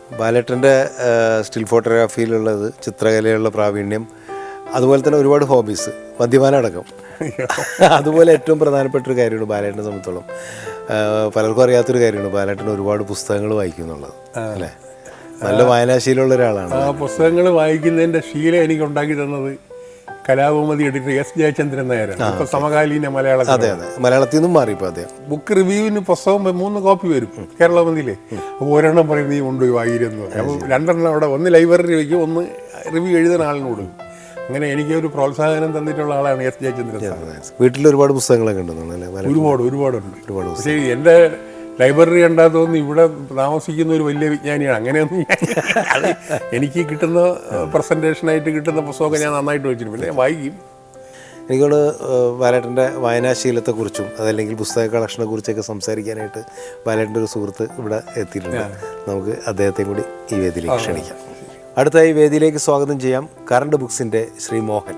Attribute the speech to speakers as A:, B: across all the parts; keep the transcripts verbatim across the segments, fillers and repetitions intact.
A: ബാലേട്ടൻ്റെ still ഫോട്ടോഗ്രാഫിയിലുള്ളത് ചിത്രകലയുള്ള പ്രാവീണ്യം, അതുപോലെ തന്നെ ഒരുപാട് ഹോബീസ്, മദ്യപാനം അടക്കം. അതുപോലെ ഏറ്റവും പ്രധാനപ്പെട്ടൊരു കാര്യമാണ് ബാലേട്ടനെ സംബന്ധിച്ചോളം, പലർക്കും അറിയാത്തൊരു കാര്യമാണ് ബാലേട്ടൻ ഒരുപാട് പുസ്തകങ്ങൾ വായിക്കും എന്നുള്ളത് അല്ലേ? നല്ല വായനാശീലമുള്ള ഒരാളാണ്.
B: ആ പുസ്തകങ്ങൾ വായിക്കുന്നതിൻ്റെ ശീലം എനിക്ക് ഉണ്ടാക്കി തന്നത് കലാഭൂമതി എഡിറ്റർ എസ് ജയചന്ദ്രൻ നായരാണ്. ഇപ്പൊ സമകാലീന മലയാളത്തിൽ.
A: അതെ അതെ, മലയാളത്തിൽ നിന്നും മാറി ഇപ്പോൾ അദ്ദേഹം.
B: ബുക്ക് റിവ്യൂവിന് പുസ്തകം മൂന്ന് കോപ്പി വരും കേരളമതിലേ. അപ്പോൾ ഒരെണ്ണം പറയും നീ കൊണ്ടുപോയി വായിരെന്ന് പറയും. അപ്പോൾ രണ്ടെണ്ണം അവിടെ, ഒന്ന് ലൈബ്രറി വയ്ക്കും, ഒന്ന് റിവ്യൂ എഴുതുന്ന ആളിന് കൊടുക്കും. അങ്ങനെ എനിക്കൊരു പ്രോത്സാഹനം തന്നിട്ടുള്ള ആളാണ് എസ് ജയചന്ദ്രൻ.
A: വീട്ടിൽ ഒരുപാട് പുസ്തകങ്ങളൊക്കെ ഉണ്ടെന്നല്ലേ?
B: ഒരുപാട് ഒരുപാടുണ്ട്
A: ഒരുപാട്.
B: പക്ഷേ എൻ്റെ ലൈബ്രറി കണ്ടാൽ തോന്നുന്നു ഇവിടെ താമസിക്കുന്ന ഒരു വലിയ വിജ്ഞാനിയാണ്. അങ്ങനെയൊന്നും അത് എനിക്ക് കിട്ടുന്ന പ്രസൻറ്റേഷനായിട്ട് കിട്ടുന്ന പുസ്തകമൊക്കെ ഞാൻ നന്നായിട്ട് വെച്ചിട്ടുണ്ട്, പിന്നെ വായിക്കും.
A: എനിക്കോട് ബാലേട്ടൻ്റെ വായനാശീലത്തെക്കുറിച്ചും അതല്ലെങ്കിൽ പുസ്തക കളക്ഷനെ കുറിച്ചൊക്കെ സംസാരിക്കാനായിട്ട് ബാലേട്ടൻ്റെ ഒരു സുഹൃത്ത് ഇവിടെ എത്തിയിട്ടുണ്ട്. നമുക്ക് അദ്ദേഹത്തെ കൂടി ഈ വേദിയിലേക്ക് ക്ഷണിക്കാം. അടുത്തായി വേദിയിലേക്ക് സ്വാഗതം ചെയ്യാം കറണ്ട് ബുക്സിൻ്റെ Shri Mohan.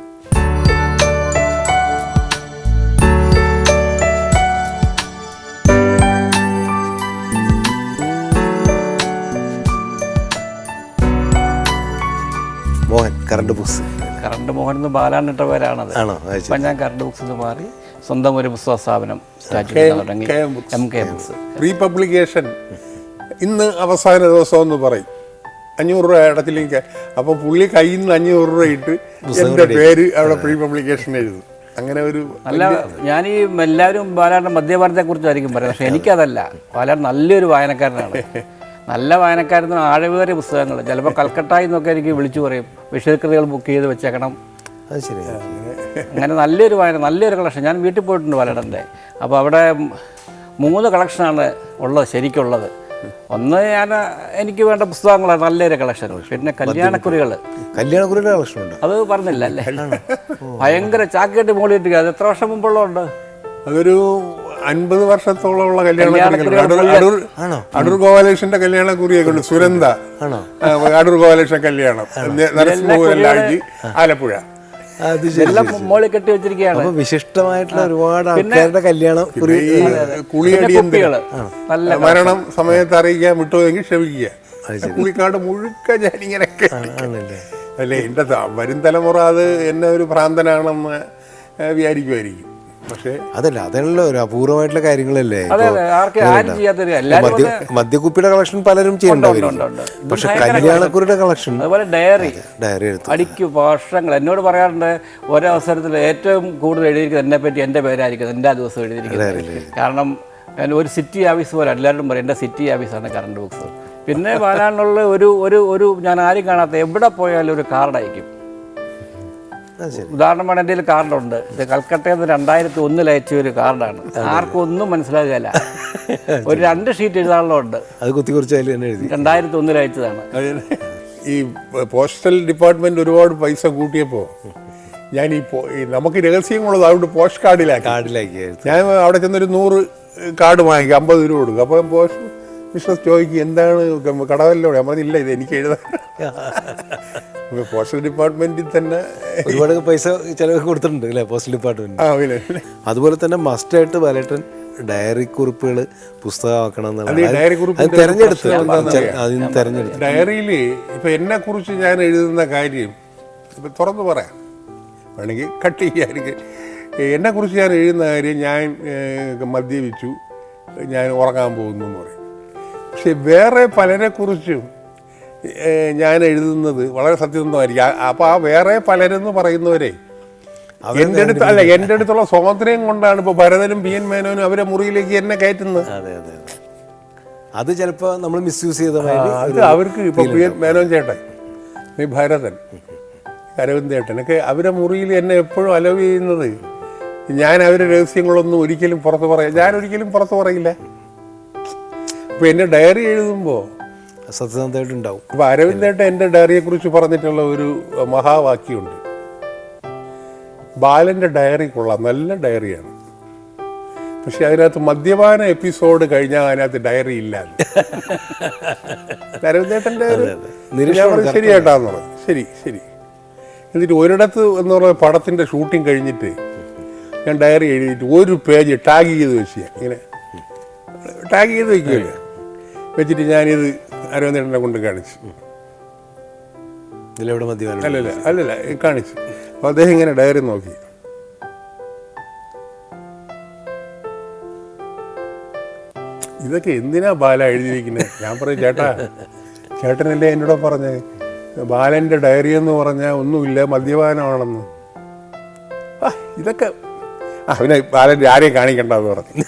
A: Mohan, current books.
C: Current Mohan എന്ന് ബാലാനിട്ട പേരാണത്.
A: ആണോ?
C: അപ്പം ഞാൻ കറണ്ട് ബുക്സ് എന്ന് മാറി സ്വന്തം ഒരു പുസ്തക സ്ഥാപനം സ്റ്റാർട്ട് ചെയ്ത് തുടങ്ങി. M K books
B: pre publication ഇന്ന് അവസാന ദിവസം എന്ന് പറയും, അഞ്ഞൂറ് രൂപ അടച്ചില്ലെങ്കിൽ. അപ്പം പുള്ളി കയ്യിൽ നിന്ന് അഞ്ഞൂറ് രൂപ ഇട്ട് എൻ്റെ പേര് അവിടെ പ്രീ പബ്ലിക്കേഷൻ എഴുതും. അങ്ങനെ ഒരു
C: നല്ല, ഞാൻ ഈ എല്ലാവരും ബാലാന്റെ മദ്യപാനത്തെ കുറിച്ചായിരിക്കും പറയുന്നത്, പക്ഷെ എനിക്കതല്ല. ബാലാൻ നല്ലൊരു വായനക്കാരനാണ്. നല്ല വായനക്കാരന് ആഴവേറിയ പുസ്തകങ്ങൾ, ചിലപ്പോൾ കൽക്കട്ടയിൽ നിന്നൊക്കെ എനിക്ക് വിളിച്ചു പറയും വിഷയകൃതികൾ ബുക്ക് ചെയ്ത് വെച്ചേക്കണം.
A: അത് ശരി.
C: അങ്ങനെ നല്ലൊരു വായന, നല്ലൊരു കളക്ഷൻ. ഞാൻ വീട്ടിൽ പോയിട്ടുണ്ട് ബാലേട്ടൻ്റെ. അപ്പോൾ അവിടെ മൂന്ന് കളക്ഷനാണ് ഉള്ളത്, ശരിക്കുള്ളത്. ഒന്ന് ഞാൻ എനിക്ക് വേണ്ട പുസ്തകങ്ങളാണ്, നല്ലൊരു കളക്ഷൻ. പിന്നെ കല്യാണക്കുറികൾ.
A: കല്യാണക്കുറിയുടെ കളക്ഷൻ ഉണ്ട്,
C: അത് പറഞ്ഞില്ല അല്ലേ? ഭയങ്കര ചാക്കേട്ട് മോളിയിട്ട്. അത് എത്ര വർഷം മുമ്പുള്ളതുണ്ട്?
B: അതൊരു അൻപത് വർഷത്തോളമുള്ള കല്യാണ അടൂർ ഗോപാലകൃഷ്ണന്റെ കല്യാണ കുറിയൊക്കെ ഉണ്ട്. സുരന്ത അടൂർ ഗോപാലകൃഷ്ണൻ കല്യാണം, നരസിംഹപുരം, ആലപ്പുഴ,
C: എല്ലാം മോളിൽ കെട്ടി വെച്ചിരിക്കുകയാണ്.
A: വിശിഷ്ടമായിട്ടുള്ള ഒരുപാട് ആൾക്കാരുടെ കല്യാണം,
B: കുളിയടിയന്തികൾ, മരണം സമയത്ത് അറിയിക്കാൻ വിട്ടുപോയെങ്കിൽ ക്ഷമിക്കുക. കുളിക്കാട് മുഴുക്ക ഞാനിങ്ങനെയൊക്കെ അല്ലേ. എൻ്റെ വരും തലമുറ അത് എന്നെ ഒരു ഭ്രാന്തനാണെന്ന് വിചാരിക്കുമായിരിക്കും. പക്ഷേ
A: അതല്ല, അതല്ല ഒരു അപൂർവമായിട്ടുള്ള കാര്യങ്ങളല്ലേ. മദ്യക്കുപ്പിയുടെ കളക്ഷൻ പലരും ചെയ്യണ്ടാവും, പക്ഷെ കല്യാണക്കുറിയുടെ കളക്ഷൻ,
C: അതുപോലെ ഡയറി
A: ഡയറി
C: അടിക്കു വർഷങ്ങൾ എന്നോട് പറയാറുണ്ട്. ഒരവസരത്തിൽ ഏറ്റവും കൂടുതൽ എഴുതിയിരിക്കുന്നത് എന്നെ പറ്റി എൻ്റെ പേരായിരിക്കും, എൻ്റെ ആ ദിവസം എഴുതിയിരിക്കുന്നത്. കാരണം ഒരു സിറ്റി ഓഫീസ് പോലെ എല്ലാവരും പറയും എൻ്റെ സിറ്റി ഓഫീസാണ് കറണ്ട് ബുക്സ്. പിന്നെ വരാനുള്ള ഒരു ഒരു ഒരു ഞാൻ ആരും കാണാത്ത എവിടെ പോയാലും ഒരു കാർഡ് അയക്കും. ഉദാഹരണമാണ്, എൻ്റെ കയ്യിൽ കാർഡുണ്ട്. ഇത് കൽക്കട്ടയിൽ നിന്ന് രണ്ടായിരത്തി ഒന്നിൽ അയച്ച ഒരു കാർഡാണ്. ആർക്കും ഒന്നും മനസ്സിലാകുകയല്ല. ഒരു രണ്ട് ഷീറ്റ് എഴുതാനുള്ളതുണ്ട്, അത് കുത്തി കുറിച്ച് രണ്ടായിരത്തി ഒന്നിൽ അയച്ചതാണ്.
B: ഈ പോസ്റ്റൽ ഡിപ്പാർട്ട്മെന്റ് ഒരുപാട് പൈസ കൂട്ടിയപ്പോൾ ഞാൻ ഈ നമുക്ക് രഹസ്യങ്ങളുള്ളത് അതുകൊണ്ട് പോസ്റ്റ് കാർഡിലാക്കി
A: കാർഡിലാക്കി
B: ഞാൻ അവിടെ ചെന്നൊരു നൂറ് കാർഡ് വാങ്ങിക്കും, അമ്പത് രൂപ കൊടുക്കും. അപ്പോൾ പോസ്റ്റ് ബിസിനസ് ചോദിക്കും എന്താണ് കടവല്ലോ? ഞാൻ പറഞ്ഞില്ല, ഇത് എനിക്ക് എഴുതാൻ. പോസ്റ്റൽ ഡിപ്പാർട്ട്മെന്റിൽ തന്നെ
A: ഒരുപാട് പൈസ ചിലവ് കൊടുത്തിട്ടുണ്ട് അല്ലേ പോസ്റ്റൽ ഡിപ്പാർട്ട്മെന്റ്. അതുപോലെ തന്നെ മസ്റ്റായിട്ട് ബാലേട്ടൻ ഡയറി കുറിപ്പുകൾ പുസ്തകമാക്കണം എന്നുള്ളത് തെരഞ്ഞെടുത്ത് തെരഞ്ഞെടുത്ത്
B: ഡയറിയിൽ ഇപ്പൊ എന്നെ കുറിച്ച് ഞാൻ എഴുതുന്ന കാര്യം ഇപ്പൊ തുറന്നു പറയാം, വേണമെങ്കിൽ കട്ട് ചെയ്യാതിരിക്കും. എന്നെ കുറിച്ച് ഞാൻ എഴുതുന്ന കാര്യം, ഞാൻ മദ്യപിച്ചു, ഞാൻ ഉറങ്ങാൻ പോകുന്നു എന്ന് പറയും. പക്ഷെ വേറെ പലരെ കുറിച്ചും ഞാൻ എഴുതുന്നത് വളരെ സത്യസന്ധമായിരിക്കും. അപ്പോൾ ആ വേറെ പലരെന്ന് പറയുന്നവരെ എൻ്റെ അടുത്ത് അല്ല എൻ്റെ അടുത്തുള്ള സ്വാതന്ത്ര്യം കൊണ്ടാണ് ഇപ്പോൾ ഭരതനും പി എൻ മേനോനും അവരെ മുറിയിലേക്ക് എന്നെ കയറ്റുന്നത്.
A: അതെ അതെ, അത് ചിലപ്പോൾ നമ്മൾ മിസ്യൂസ് ചെയ്ത
B: അത് അവർക്ക് ഇപ്പോൾ പി എൻ മേനോൻ ചേട്ടൻ, ഈ ഭരതൻ, അരവിന്ദ് ചേട്ടനൊക്കെ അവരെ മുറിയിൽ എന്നെ എപ്പോഴും അലവ് ചെയ്യുന്നത്, ഞാൻ അവരുടെ രഹസ്യങ്ങളൊന്നും ഒരിക്കലും പുറത്ത് പറയാം ഞാൻ ഒരിക്കലും പുറത്ത് പറയില്ല. അപ്പോൾ എൻ്റെ ഡയറി എഴുതുമ്പോൾ
A: സത്യസന്ധമായിട്ടുണ്ടാവും.
B: അപ്പോൾ അരവിന്ദേട്ടൻ എൻ്റെ ഡയറിയെ കുറിച്ച് പറഞ്ഞിട്ടുള്ള ഒരു മഹാവാക്യമുണ്ട്, ബാലൻ്റെ ഡയറി കൊള്ളാം, നല്ല ഡയറിയാണ്, പക്ഷെ അതിനകത്ത് മദ്യപാന എപ്പിസോഡ് കഴിഞ്ഞാൽ അതിനകത്ത് ഡയറി ഇല്ല. അരവിന്ദേട്ടൻ്റെ ശരിയായിട്ടാന്ന് പറഞ്ഞു. ശരി ശരി എന്നിട്ട് ഒരിടത്ത് എന്ന് പറഞ്ഞ പടത്തിൻ്റെ ഷൂട്ടിങ് കഴിഞ്ഞിട്ട് ഞാൻ ഡയറി എഴുതിയിട്ട് ഒരു പേജ് ടാഗ് ചെയ്ത് വെച്ച്, ഇങ്ങനെ ടാഗ് ചെയ്ത് വയ്ക്കുകയില്ല, വെച്ചിട്ട് ഞാനിത് അരവിന്ദേട്ടനെ കൊണ്ട് കാണിച്ചു.
A: ഇതിലെവിടെ മദ്യപാനം?
B: അല്ലല്ല അല്ലല്ല കാണിച്ചു. അപ്പോൾ അദ്ദേഹം ഇങ്ങനെ ഡയറി നോക്കി. ഇതൊക്കെ എന്തിനാ ബാല എഴുതിയിരിക്കുന്നത്? ഞാൻ പറയും ചേട്ടാ, ചേട്ടനല്ലേ എന്നോട് പറഞ്ഞേ ബാലൻ്റെ ഡയറി എന്ന് പറഞ്ഞാൽ ഒന്നുമില്ല, മദ്യപാനമാണെന്ന്. ആ ഇതൊക്കെ ആ പിന്നെ ബാലൻ്റെ ആരെയും കാണിക്കണ്ടെന്ന് പറഞ്ഞു.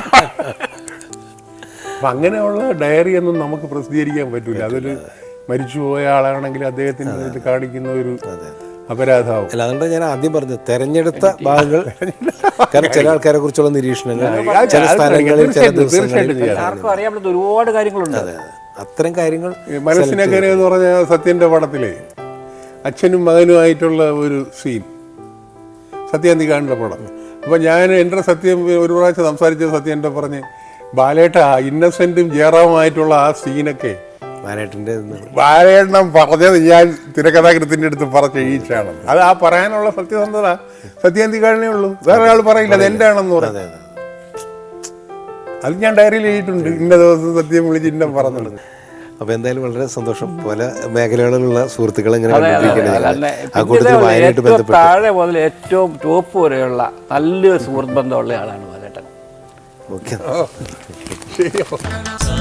B: അപ്പം അങ്ങനെയുള്ള ഡയറി ഒന്നും നമുക്ക് പ്രസിദ്ധീകരിക്കാൻ പറ്റില്ല. അതൊരു മരിച്ചുപോയ ആളാണെങ്കിൽ അദ്ദേഹത്തിന് ഇത് കാണിക്കുന്ന ഒരു അപരാധമാവും.
A: അല്ല, അതുകൊണ്ട് ഞാൻ ആദ്യം പറഞ്ഞത് തെരഞ്ഞെടുത്ത ഭാഗങ്ങൾ, കാരണം ചില ആൾക്കാരെ കുറിച്ചുള്ള നിരീക്ഷണങ്ങൾ ചില സ്ഥലങ്ങളിൽ ചില ദിവസങ്ങളിൽ
C: ആർക്കും അറിയാൻ പറ്റുന്ന ഒരുപാട് കാര്യങ്ങളുണ്ട്.
A: അത്തരം കാര്യങ്ങൾ
B: മനസ്സിനൊക്കെ എന്ന് പറഞ്ഞ സത്യൻ്റെ പടത്തിലെ അച്ഛനും മകനുമായിട്ടുള്ള ഒരു സീൻ സത്യാന്തികാടിൻ്റെ പടം. അപ്പം ഞാൻ എൻ്റെ സത്യം ഒരു പ്രാവശ്യം സംസാരിച്ചത് സത്യൻ്റെ പറഞ്ഞ് ബാലേട്ട ഇന്നസെൻറ്റും ജയറാമുമായിട്ടുള്ള ആ സീനൊക്കെ
A: ബാലേട്ടൻ്റെ
B: ബാലേട്ടൻ പറഞ്ഞത് ഞാൻ തിരക്കഥാകൃത്തിൻ്റെ അടുത്ത് പറഞ്ഞ എഴുതിച്ചാണ്. അത് ആ പറയാനുള്ള സത്യസന്ധത സത്യാന്തികാടിനേ ഉള്ളൂ, വേറെ ആൾ പറയില്ല അത് എൻ്റെ ആണെന്ന് പറയുന്നത്. അത് ഞാൻ ഡയറിയിൽ എഴുതിയിട്ടുണ്ട്, ഇന്ന ദിവസം സത്യം വിളിച്ച് ഇന്ന പറഞ്ഞത്.
A: അപ്പോൾ എന്തായാലും വളരെ സന്തോഷം. പല മേഖലകളിലുള്ള സുഹൃത്തുക്കളെ ഇങ്ങനെ
C: ഏറ്റവും താഴെ മുതൽ ഏറ്റവും ടോപ്പ് വരെയുള്ള നല്ലൊരു സുഹൃത്ത് ബന്ധമുള്ള ആളാണ് ബാലേട്ടൻ.
A: ഓക്കെ.
B: ശരി.